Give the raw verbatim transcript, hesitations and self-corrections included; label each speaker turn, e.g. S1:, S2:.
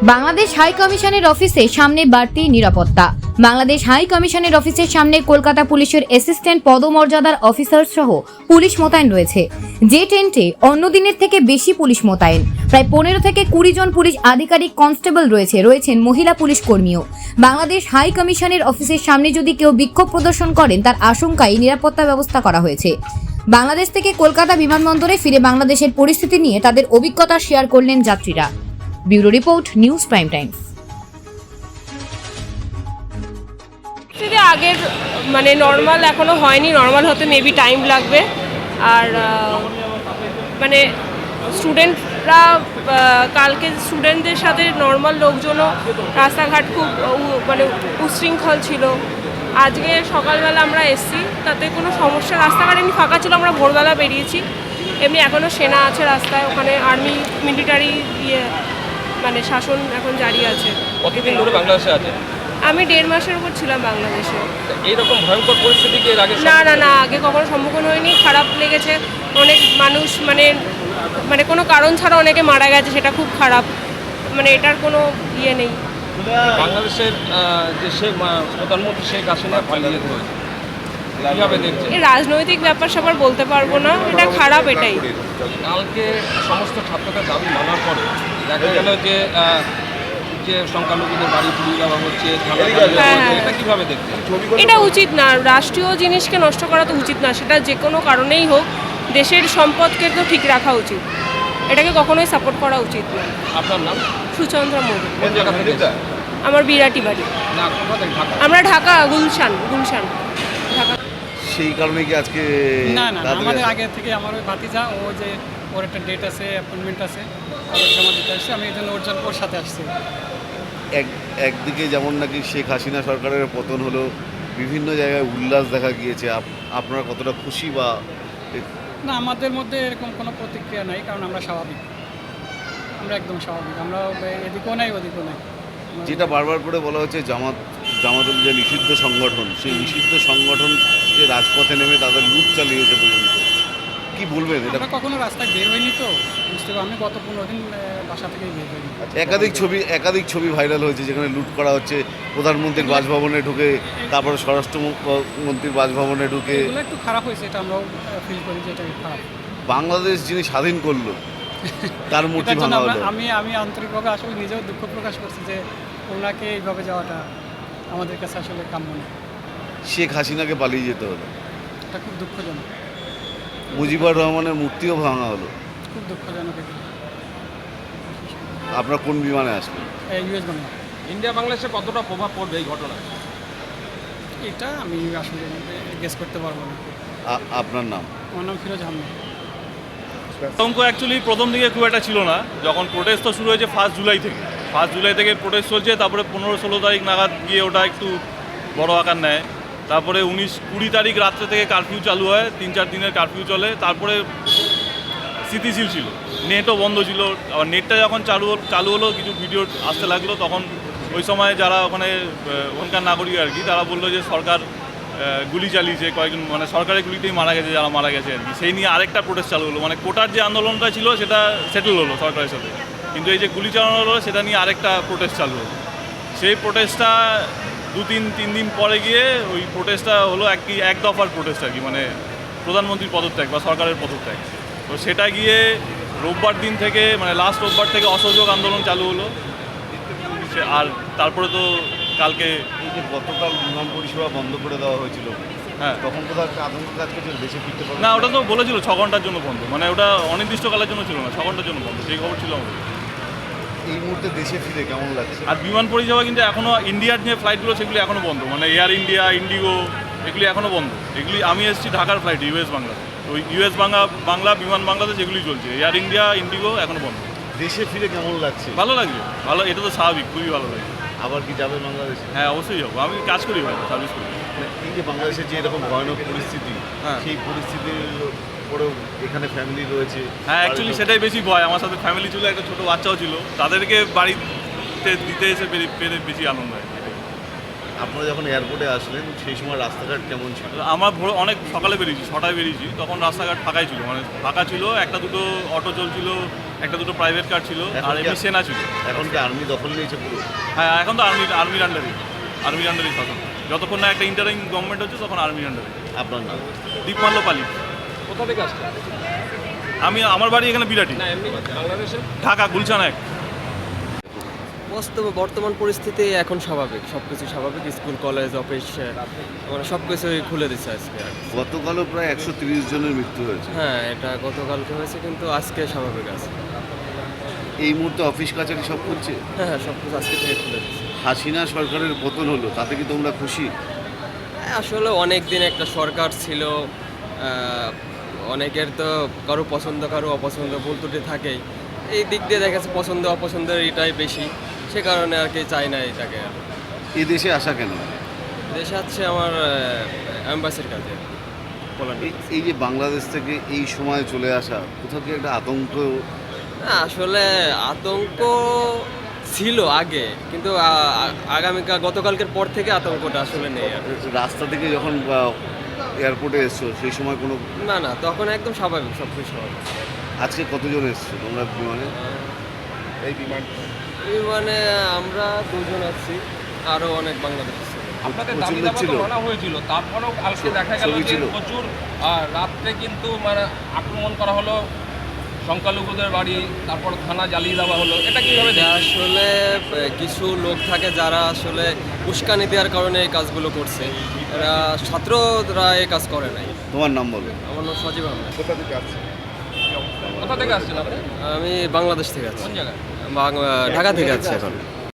S1: Bangladesh high কমিশনের অফিসে সামনে বাড়তি নিরাপত্তা। বাংলাদেশ হাই কমিশনের অফিসের সামনে কলকাতা পুলিশের অ্যাসিস্ট্যান্ট পদমর্যাদার অফিসার সহ পুলিশ মোতায়েন রয়েছে। যে টেন্টে অন্য দিনের থেকে বেশি পুলিশ মোতায়েন, প্রায় পনেরো থেকে কুড়ি জন পুলিশ আধিকারিক কনস্টেবল রয়েছে, রয়েছেন মহিলা পুলিশ কর্মীও। বাংলাদেশ হাই কমিশনের অফিসের সামনে যদি কেউ বিক্ষোভ প্রদর্শন করেন তার আশঙ্কায় নিরাপত্তা ব্যবস্থা করা হয়েছে। বাংলাদেশ থেকে কলকাতা বিমানবন্দরে ফিরে বাংলাদেশের পরিস্থিতি নিয়ে তাদের অভিজ্ঞতা শেয়ার করলেন যাত্রীরা। Bureau report, News Prime Times.
S2: আগের মানে নর্মাল এখনো হয়নি, নর্মাল হতে মেবি টাইম লাগবে। আর মানে স্টুডেন্টরা কালকে স্টুডেন্টদের সাথে নর্মাল লোকজনও রাস্তাঘাট খুব মানে উশৃঙ্খল ছিল। আজকে সকালবেলা আমরা এসছি, তাতে কোনো সমস্যা, রাস্তাঘাট এমনি ফাঁকা ছিল, আমরা ভোরবেলা বেরিয়েছি। এমনি এখনও সেনা আছে রাস্তায়, ওখানে আর্মি মিলিটারি ইয়ে মানে শাসন এখন জারি আছে।
S3: কতদিন ধরে বাংলাদেশে আছে?
S2: আমি দেড় মাসের উপর ছিলাম বাংলাদেশে।
S3: এইরকম ভয়ঙ্কর পরিস্থিতি কি এর আগে?
S2: না না না আগে কখনো সম্মুখীন হয়নি। খারাপ লেগেছে, অনেক মানুষ মানে মানে কোনো কারণ ছাড়া অনেকে মারা গেছে, সেটা খুব খারাপ। মানে এটার কোনো ইয়ে নেই।
S3: বাংলাদেশের যে শেখ প্রধানমন্ত্রী শেখ হাসিনা পালিয়ে যেতে হয়েছে, কীভাবে দেখছে?
S2: এই রাজনৈতিক ব্যাপার স্যাপার বলতে পারবো না, এটা খারাপ। এটাই
S3: কালকে সমস্ত ছাত্রদের দাবি মানার পরে দেখা গেল যে যে সংখ্যালঘুদের বাড়ি পুড়িয়ে দেওয়া হচ্ছে, এটা কিভাবে দেখছে?
S2: এটা উচিত না, রাষ্ট্রীয় জিনিসকে নষ্ট করা তো উচিত না। সেটা যে কোনো কারণেই হোক, দেশের সম্পদকে তো ঠিক রাখা উচিত, এটাকে কখনোই সাপোর্ট করা উচিত না।
S3: আপনার নাম?
S2: সুচন্দ্র মোদী।
S3: কোন জায়গা থেকে?
S2: আমার বিরাটি বাড়ি।
S3: না, কোথা থেকে? ঢাকা।
S2: আমরা ঢাকা, গুলশান গুলশান ঢাকা।
S4: সেই কারণে কি আজকে?
S5: না না আমাদের আগে থেকে আমার ওই ভাতিজা, ও যে ওর একটা ডেট আছে, অ্যাপয়েন্টমেন্ট আছে, ওর জমা দিতে আসছে। আমি এই জন্য ওর জন্য ওর সাথে আসছি।
S4: এক একদিকে যেমন নাকি শেখ হাসিনা সরকারের পতন হলো, বিভিন্ন জায়গায় উল্লাস দেখা গিয়েছে, আপনারা কতটা খুশি? বা
S5: না, আমাদের মধ্যে এরকম কোনো প্রতিক্রিয়া নাই, কারণ আমরা স্বাভাবিক, আমরা একদম স্বাভাবিক। আমরা এদিকেও নাই ওদিকেও নাই।
S4: যেটা বারবার করে বলা হচ্ছে জামাত জামাতুল যে নিষিদ্ধ সংগঠন, সেই নিষিদ্ধ সংগঠন যে রাজপথে নেমে তাদের লুট চালিয়েছে পর্যন্ত, কি বলবেন? এটা
S5: কখনো রাস্তায় বের হয়নি তো বুঝতে পারি। আমি গত পনেরো দিন বাসা থেকেই বের হইনি।
S4: একাধিক ছবি একাধিক ছবি ভাইরাল হয়েছে যেখানে লুট করা হচ্ছে, প্রধানমন্ত্রীর বাসভবনে ঢুকে, তারপরে স্বরাষ্ট্রমন্ত্রীর বাসভবনে ঢুকে।
S5: এগুলো একটু খারাপ হয়েছে, এটা আমরাও ফিল করি যে এটা খারাপ।
S4: বাংলাদেশ যিনি স্বাধীন করলো তার মূর্তি ভাঙা হলো।
S5: আমি আমি আন্তরিকভাবে আসলে নিজেও দুঃখ প্রকাশ করছি যে ওনাকে এইভাবে যাওয়াটা আমাদের কাছে আসলে কাম্য না।
S4: শেখ হাসিনাকে পালিয়ে যেতে হলো,
S5: এটা খুব দুঃখজনক।
S4: মুজিবুর রহমানের মূর্তিও ভাঙা হলো,
S5: খুব দুঃখজনক।
S4: আপনার কোন বিমানে আসলেন?
S5: ইউএস বাংলা।
S3: ইন্ডিয়া বাংলাদেশে কতটা প্রভাব পড়বে এই ঘটনা?
S5: এটা আমি আসলে গেস করতে পারবো না।
S4: আপনার নাম?
S5: আমার নাম ফিরোজ আহমেদ।
S6: আতঙ্ক অ্যাকচুয়ালি প্রথম দিকে খুব একটা ছিল না, যখন প্রোটেস্ট তো শুরু হয়েছে ফার্স্ট জুলাই থেকে। ফার্স্ট জুলাই থেকে প্রোটেস্ট চলছে, তারপরে পনেরো ষোলো তারিখ নাগাদ গিয়ে ওটা একটু বড় আকার নেয়। তারপরে উনিশ কুড়ি তারিখ রাত্রে থেকে কারফিউ চালু হয়, তিন চার দিনের কারফিউ চলে। তারপরে স্থিতিশীল ছিল, নেটও বন্ধ ছিল। আবার নেটটা যখন চালু চালু হলো, কিছু ভিডিও আসতে লাগলো, তখন ওই সময় যারা ওখানে ওখানকার নাগরিক আর কি, তারা বললো যে সরকার গুলি চালিয়েছে, কয়েকজন মানে সরকারের গুলিতেই মারা গেছে যারা মারা গেছে আর কি। সেই নিয়ে আরেকটা প্রোটেস্ট চালু হলো, মানে কোটার যে আন্দোলনটা ছিল সেটা সেটেল হলো সরকারের সাথে, কিন্তু এই যে গুলি চালানো হলো সেটা নিয়ে আরেকটা প্রোটেস্ট চালু হলো। সেই প্রোটেস্টটা দু তিন তিন দিন পরে গিয়ে ওই প্রোটেস্টটা হলো এক কি এক দফার প্রোটেস্ট আর কি, মানে প্রধানমন্ত্রীর পদত্যাগ বা সরকারের পদত্যাগ। তো সেটা গিয়ে রোববার দিন থেকে, মানে লাস্ট রোববার থেকে অসহযোগ আন্দোলন চালু হলো। আর তারপরে তো কালকে
S4: এই যে গতকাল বিমান পরিষেবা বন্ধ করে দেওয়া হয়েছিল,
S6: হ্যাঁ,
S4: তখন কোথাও একটা আতঙ্ক কাজ করছিল দেশে ফিরতে পারবে
S6: না, ওটা তো বলেছিল ছ ঘন্টার জন্য বন্ধ, মানে ওটা অনির্দিষ্টকালের জন্য ছিল না, ছ ঘন্টার জন্য বন্ধ, সেই খবর ছিল আমাদের।
S4: এই মুহূর্তে দেশে ফিরে কেমন লাগছে?
S6: আর বিমান পরিষেবা কিন্তু এখনও ইন্ডিয়ার যে ফ্লাইটগুলো সেগুলি এখনও বন্ধ, মানে এয়ার ইন্ডিয়া, ইন্ডিগো, এগুলি এখনও বন্ধ। এগুলি আমি এসেছি ঢাকার ফ্লাইট, ইউএস বাংলা, ওই ইউএস বাংলা বাংলা বিমান বাংলাদেশ এগুলি চলছে। এয়ার ইন্ডিয়া, ইন্ডিগো এখনও বন্ধ।
S4: দেশে ফিরে কেমন লাগছে?
S6: ভালো লাগছে, ভালো, এটা তো স্বাভাবিক, খুবই ভালো লাগছে।
S4: আবার কি যাবে বাংলাদেশে?
S6: হ্যাঁ, অবশ্যই যাবো, আমি কাজ করি, ভালো সার্ভিস করি।
S4: এই যে বাংলাদেশের যে এরকম ভয়ানক পরিস্থিতি,
S6: হ্যাঁ,
S4: সেই পরিস্থিতির পরেও এখানে ফ্যামিলি রয়েছে।
S6: হ্যাঁ, অ্যাকচুয়ালি সেটাই বেশি ভয়। আমার সাথে ফ্যামিলি ছিল, একটা ছোটো বাচ্চাও ছিল, তাদেরকে বাড়িতে দিতে এসে পেরে পেরে বেশি আনন্দ হয়।
S4: আপনারা যখন এয়ারপোর্টে আসলেন সেই সময় রাস্তাঘাট কেমন ছিল?
S6: আমার ভোর অনেক সকালে বেরিয়েছি, ছটায় বেরিয়েছি, তখন রাস্তাঘাট ফাঁকাই ছিল, মানে ফাঁকা ছিল, একটা দুটো অটো চলছিল, একটা দুটো প্রাইভেট কার ছিল,
S4: এখন
S6: আর
S4: কি-
S6: এমনি সেনা ছিল।
S4: এখন কি আর্মি দখল নিয়েছে পুরো?
S6: হ্যাঁ, এখন তো আর্মি আর্মির আন্ডারে আর্মির আন্ডারেই শাসন। যতক্ষণ না একটা ইন্টারিম গভর্নমেন্ট হচ্ছে তখন আর্মির আন্ডারে।
S4: আপনার নাম?
S6: দীপমাল্য পালি।
S3: কোথা থেকে আসছে?
S6: আমি আমার বাড়ি এখানে বিরাটি,
S3: না এমনি বাংলাদেশে?
S6: ঢাকা গুলশান এক।
S7: বাস্তবে বর্তমান পরিস্থিতি এখন স্বাভাবিক, সব কিছু স্বাভাবিক, স্কুল কলেজ অফিস মানে সব কিছুই খুলে দিচ্ছে আজকে আর কি।
S4: গতকালও প্রায় একশো তিরিশ জনের মৃত্যু হয়েছে।
S7: হ্যাঁ, এটা গতকালকে হয়েছে কিন্তু আজকে স্বাভাবিক আছে।
S4: এই মুহূর্তে অফিস কাছারি সব খুলছে।
S7: হ্যাঁ হ্যাঁ, সব কিছু আজকে থেকে খুলে দিচ্ছে।
S4: হাসিনা সরকারের পতন হলো, তাতে কি তোমরা খুশি?
S7: হ্যাঁ, আসলে অনেক দিন একটা সরকার ছিল, আহ, অনেকের তো কারো পছন্দ কারো অপছন্দ ভুল ত্রুটি থাকেই। এই দিক দিয়ে দেখা যাচ্ছে পছন্দ অপছন্দের এটাই বেশি, সে কারণে আর কি চাই না এটাকে।
S4: এই দেশে আসা কেন?
S7: দেশে আছে আমার অ্যাম্বাসির কাজে পোল্যান্ডে।
S4: এই- এই যে বাংলাদেশ থেকে এই সময় চলে আসা, কোথাও কি একটা আতঙ্ক?
S7: না, আসলে আতঙ্ক ছিল আগে, কিন্তু আ- আ- আগামীকাল গতকালকের পর থেকে আতঙ্কটা আসলে নেই আর।
S4: রাস্তা থেকে যখন এয়ারপোর্টে এসছো সেই সময় কোনো?
S7: না না, তখন একদম স্বাভাবিক, সব কিছু স্বাভাবিক।
S4: আজকে কতজন এসছো তোমরা বিমানে?
S3: এই বিমান
S7: মানে আমরা দুজন আছি, আরও অনেক বাংলাদেশ ছিল।
S3: আপনাদের
S4: প্রচুর
S3: দাবি
S4: লোক
S3: দাবা
S4: ছিল?
S3: তো মানা হয়েছিল, তারপরেও কালকে দেখা গেল
S4: ছবি
S3: যে
S4: ছিল?
S3: প্রচুর আহ, রাত্রে কিন্তু মানে আক্রমণ করা হলো সংখ্যালঘুদের বাড়ি, তারপর থানা জ্বালিয়ে দেওয়া হলো, এটা কিভাবে
S7: এটা
S3: দেখছেন?
S7: আসলে আহ, কিছু লোক থাকে যারা আসলে উস্কানি দেওয়ার কারণে এই কাজগুলো করছে। এরা ছাত্ররা এই কাজ করে নাই।
S4: তোমার নাম বলো।
S7: আমার নাম সজীব আহমেদ।
S3: কোথা থেকে আসছেন? কোথা থেকে আসছেন আপনি?
S7: আমি বাংলাদেশ থেকে আছি,
S3: কোন জায়গায়?
S7: বাং- ঢাকা থেকে আছি এখন।